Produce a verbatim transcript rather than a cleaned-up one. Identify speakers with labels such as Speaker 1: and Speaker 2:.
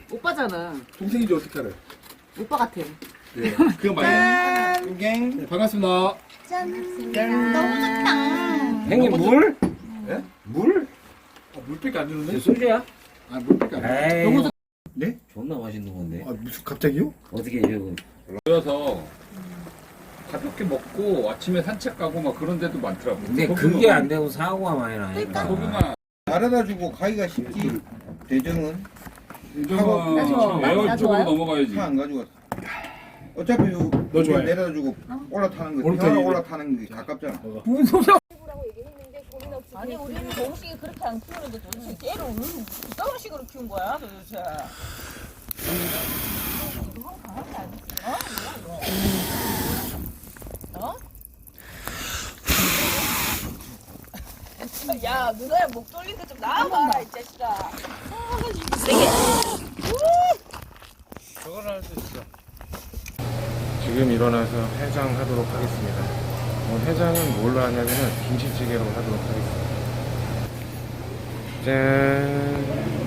Speaker 1: 오빠잖아.
Speaker 2: 동생이지 어떻게 알아요?
Speaker 1: 오빠 같아.
Speaker 2: 네. 그거 많이. 네, 반갑습니다.
Speaker 3: 짠. 너무 좋다.
Speaker 4: 형님 물?
Speaker 2: 예?
Speaker 4: 물?
Speaker 2: 아, 물밖에 안 주는데?
Speaker 4: 소주야?
Speaker 2: 아, 물밖에 안 주는데.
Speaker 4: 에이
Speaker 1: 너무 좋.
Speaker 2: 네?
Speaker 4: 존나 맛있는 건데
Speaker 2: 아, 무슨 갑자기요?
Speaker 4: 어떻게 이러고
Speaker 5: 모여서 가볍게 먹고 아침에 산책 가고 막 그런 데도 많더라고.
Speaker 4: 근데 그게 안 되고 사고가 많이 나니까
Speaker 5: 소금아,
Speaker 6: 알아다 주고 가기가 쉽지. 대정은
Speaker 5: 이정은
Speaker 3: 나 좋아. 나
Speaker 5: 에어 쪽으로
Speaker 3: 좋아요?
Speaker 5: 넘어가야지.
Speaker 6: 차 안 가져갔어. 어차피 요
Speaker 2: 너 좋아해?
Speaker 6: 내려다 주고 올라타는 거,
Speaker 2: 올라타기.
Speaker 6: 태화가 올라타는 게 가깝잖아.
Speaker 1: 무슨 소리야?
Speaker 3: 아니 우리는 정식이 그렇게 안 키우는데 도대체 깨를 어떤 식으로 키운 거야 도대체. 어? 야 누나야 목 돌리는 좀 나와봐 이 자식아.
Speaker 7: 지금 일어나서 해장하도록 하겠습니다. 오늘 해장은 뭘로 하냐면은 김치찌개로 하도록 하겠습니다. 짠!